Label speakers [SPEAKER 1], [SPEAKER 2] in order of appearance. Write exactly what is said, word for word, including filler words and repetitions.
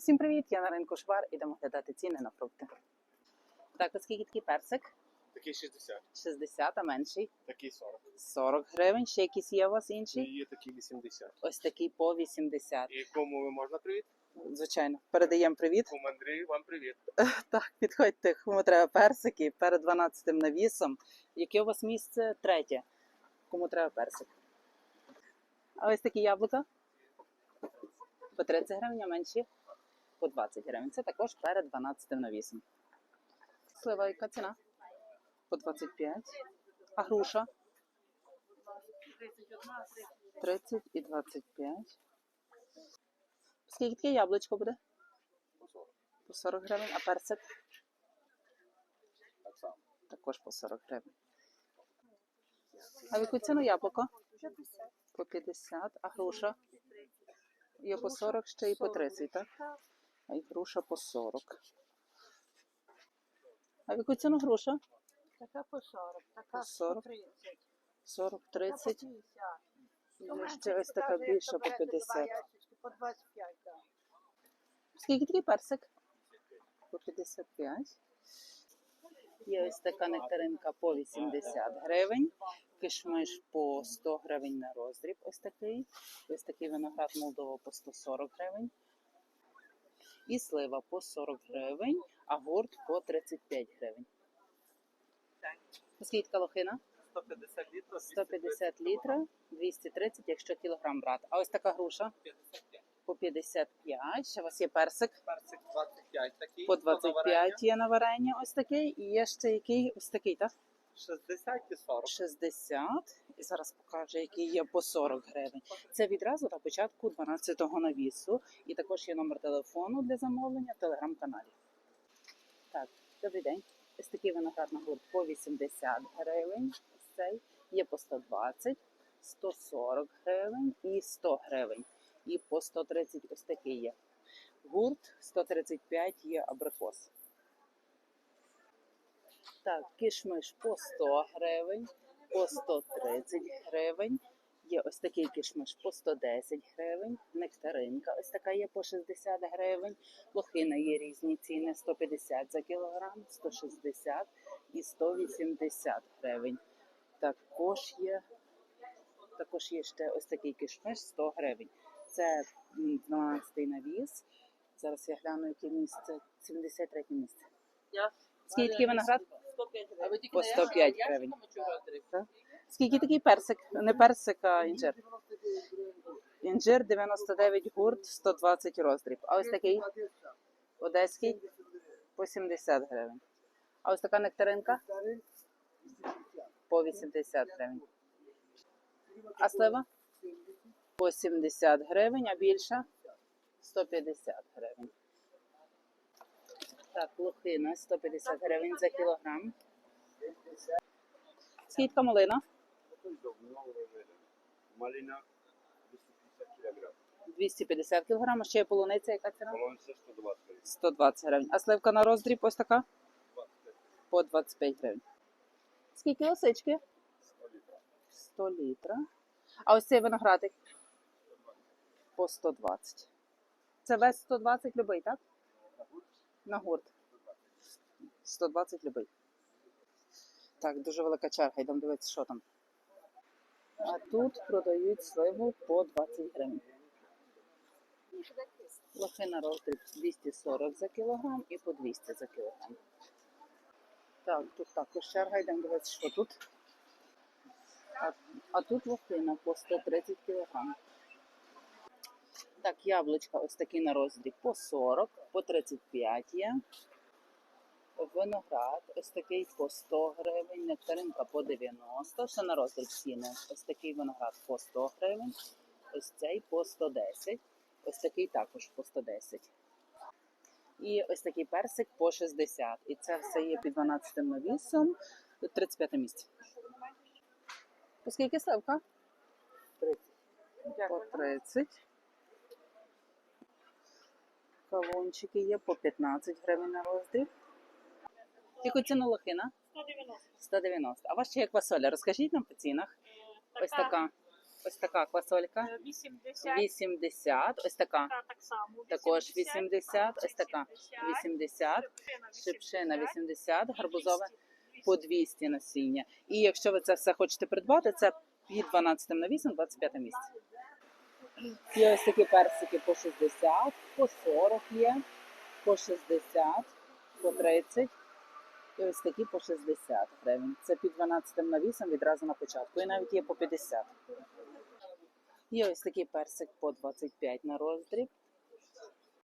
[SPEAKER 1] Всім привіт! Я на ринку Швар. Ідемо глядати ціни на фрукти. Так, оскільки такий персик?
[SPEAKER 2] Такий шістдесят.
[SPEAKER 1] шістдесят, а менший?
[SPEAKER 2] Такий сорок.
[SPEAKER 1] сорок гривень. Ще якісь є у вас
[SPEAKER 2] І
[SPEAKER 1] інші?
[SPEAKER 2] є такий вісімдесят.
[SPEAKER 1] Ось такий по вісімдесят.
[SPEAKER 2] І кому ви можна привіт?
[SPEAKER 1] Звичайно. Передаємо привіт.
[SPEAKER 2] Кому Андрію, вам привіт.
[SPEAKER 1] Так, підходьте, кому треба персики перед дванадцятим навісом. Яке у вас місце? Третє. Кому треба персик. А ось такі яблука? По тридцять гривень, а менші? По двадцять гривень. Це також перед дванадцятим навісом. Слива, яка ціна? По двадцять п'ять. А груша? тридцять і двадцять п'ять. Скільки таке яблучко буде? По сорок гривень. А персик?
[SPEAKER 2] Так само.
[SPEAKER 1] Також по сорок гривень. А в яку ціну яблуко? По п'ятдесят. А груша? Є по сорок, ще і по тридцять, так? А і груша по сорок. А в яку ціну груша?
[SPEAKER 3] Така по сорок, така
[SPEAKER 1] По сорок.
[SPEAKER 3] по тридцять.
[SPEAKER 1] сорок, тридцять.
[SPEAKER 3] Така
[SPEAKER 1] І ще ось така більша по п'ятдесят.
[SPEAKER 3] По двадцять п'ять, так.
[SPEAKER 1] Скільки такий персик? По п'ятдесят п'ять. Є ось така нектаринка по вісімдесят гривень. Кишмиш по сто гривень на роздріб. Ось такий. Ось такий виноград Молдова по сто сорок гривень. І слива по сорок гривень, а гурт по тридцять п'ять гривень. Скільки така лохина?
[SPEAKER 2] сто п'ятдесят літрів.
[SPEAKER 1] сто п'ятдесят літрів, двісті тридцять, якщо кілограм брати. А ось така груша? По п'ятдесят п'ять. Ще у вас є персик?
[SPEAKER 2] Персик двадцять п'ять такий.
[SPEAKER 1] По двадцять п'ять є на варення ось такий. І є ще який ось такий, так?
[SPEAKER 2] шістдесят і сорок.
[SPEAKER 1] шістдесят. І зараз покажу, який є по сорок гривень. Це відразу на початку дванадцятого навісу. І також є номер телефону для замовлення в телеграм-каналі. Так, добрий день. Ось такий виноград на гурт по вісімдесят гривень. Ось цей. Є по сто двадцять, сто сорок гривень і сто гривень. І по сто тридцять ось такий є. Гурт сто тридцять п'ять є абрикос. Так, кишмиш по сто гривень, по сто тридцять гривень. Є ось такий кишмиш по сто десять гривень. Нектаринка ось така є по шістдесят гривень. Лохина є різні ціни. сто п'ятдесят за кілограм, сто шістдесят і сто вісімдесят гривень. Також є, також є ще ось такий кишмиш сто гривень. Це дванадцятий навіс. Зараз я гляну, яке місце. сімдесят третє місце. Скільки такий виноград? По сто п'ять гривень. Так. Скільки такий персик? Не персик, а інжир. Інжир дев'яносто дев'ять гурт, сто двадцять роздріб. А ось такий одеський по сімдесят гривень. А ось така нектаринка по вісімдесят гривень. А слива? По сімдесят гривень, а більша сто п'ятдесят гривень. Так, лохина сто п'ятдесят гривень за кілограм. Скільки малина?
[SPEAKER 2] Малина двісті п'ятдесят кілограм.
[SPEAKER 1] двісті п'ятдесят кілограм. А ще є полуниця, яка ціна?
[SPEAKER 2] Полонця сто двадцять гривень.
[SPEAKER 1] сто двадцять гривень. А сливка на роздріб ось така? По двадцять п'ять гривень. Скільки лисички? сто літрів. А ось цей виноградик? По сто двадцять. Це весь сто двадцять любий, так? На гурт. сто двадцять любий. Так, дуже велика черга. Йдемо дивитися, що там. А тут продають сливу по двадцять гривень. Лохина роздріб двісті сорок за кілограм і по двісті за кілограм. Так, тут також черга. Йдемо дивитися, що тут. А, а тут лохина по сто тридцять кілограм. Так, яблучка ось такі на роздріб по сорок, по тридцять п'ять є. Виноград ось такий по сто гривень, нектаринка по дев'яносто, ще на роздріб ціни. Ось такий виноград по сто гривень, ось цей по сто десять, ось такий також по сто десять. І ось такий персик по шістдесят. І це все є під дванадцятим навісом, тридцять п'яте місце. Оскільки сливка? тридцять. По тридцять. Кавунчики є по п'ятнадцять гривень на роздріб. Яку ціну лохина?
[SPEAKER 3] сто дев'яносто.
[SPEAKER 1] сто дев'яносто. А ваша як квасоля? Розкажіть нам по цінах. Ось така Ось така квасолька.
[SPEAKER 4] Е, вісімдесят.
[SPEAKER 1] вісімдесят. Ось така.
[SPEAKER 4] Та так само.
[SPEAKER 1] Також вісімдесят. Ось така. вісімдесят.
[SPEAKER 4] Шипшина
[SPEAKER 1] Шипшина
[SPEAKER 4] вісімдесят.
[SPEAKER 1] вісімдесят. Гарбузове
[SPEAKER 4] двісті.
[SPEAKER 1] по двісті насіння. І якщо ви це все хочете придбати, це під дванадцятим навісом, двадцять п'яте місце. Є ось такі персики по шістдесят, по сорок є, по шістдесят, по тридцять. І ось такі по шістдесят гривень. Це під дванадцятим навісом відразу на початку. І навіть є по п'ятдесят. Є ось такий персик по двадцять п'ять на роздріб.